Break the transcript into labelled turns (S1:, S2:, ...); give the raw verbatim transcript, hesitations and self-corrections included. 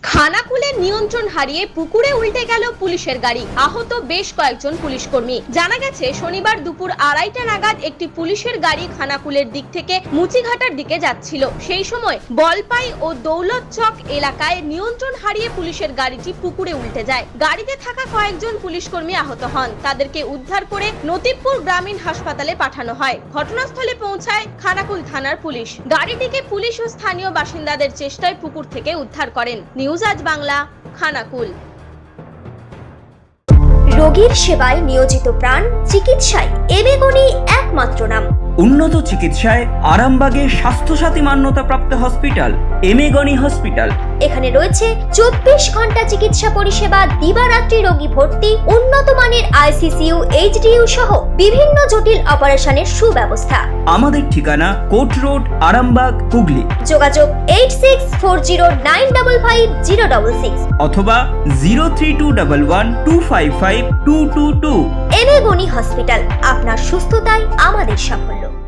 S1: খানাকুলে নিয়ন্ত্রণ হারিয়ে পুকুরে উল্টে গেল পুলিশের গাড়ি, আহত বেশ কয়েকজন পুলিশ কর্মী। জানা গেছে শনিবার দুপুর আড়াইটা নাগাদ একটি পুলিশের গাড়ি খানাকুলের দিক থেকে মুচিঘাটার দিকে যাচ্ছিল। সেই সময় বলপাই ও দৌলত চক এলাকায় নিয়ন্ত্রণ হারিয়ে পুলিশের গাড়িটি পুকুরে উল্টে যায়। গাড়িতে থাকা কয়েকজন পুলিশ কর্মী আহত হন। তাদেরকে উদ্ধার করে নতিবপুর গ্রামীণ হাসপাতালে পাঠানো হয়। ঘটনাস্থলে পৌঁছায় খানাকুল থানার পুলিশ। গাড়িটিকে পুলিশ ও স্থানীয় বাসিন্দাদের চেষ্টায় পুকুর থেকে উদ্ধার করেন। নিউজ আজ বাংলা, খানাকুল।
S2: রোগীর সেবায় নিয়োজিত প্রাণ, চিকিৎসায় এবেগুনি একমাত্র নাম।
S3: উন্নত চিকিৎসায় আরামবাগে স্বাস্থ্যসাথী মান্যতাপ্রাপ্ত হসপিটাল এমেগনি হসপিটাল।
S2: এখানে রয়েছে চব্বিশ ঘন্টা চিকিৎসা পরিষেবা, দিবারাত্রি রোগী ভর্তি, উন্নত মানের আইসিসিইউ, এইচডিইউ সহ বিভিন্ন জটিল অপারেশনের সুব্যবস্থা।
S3: আমাদের ঠিকানা কোট রোড, আরামবাগ, হুগলি।
S2: যোগাযোগ eight six four zero nine double five zero double six
S3: অথবা zero three two double one two five five two two two.
S2: এবেগুনি হসপিটাল, আপনার সুস্থতাই আমাদের সাফল্য।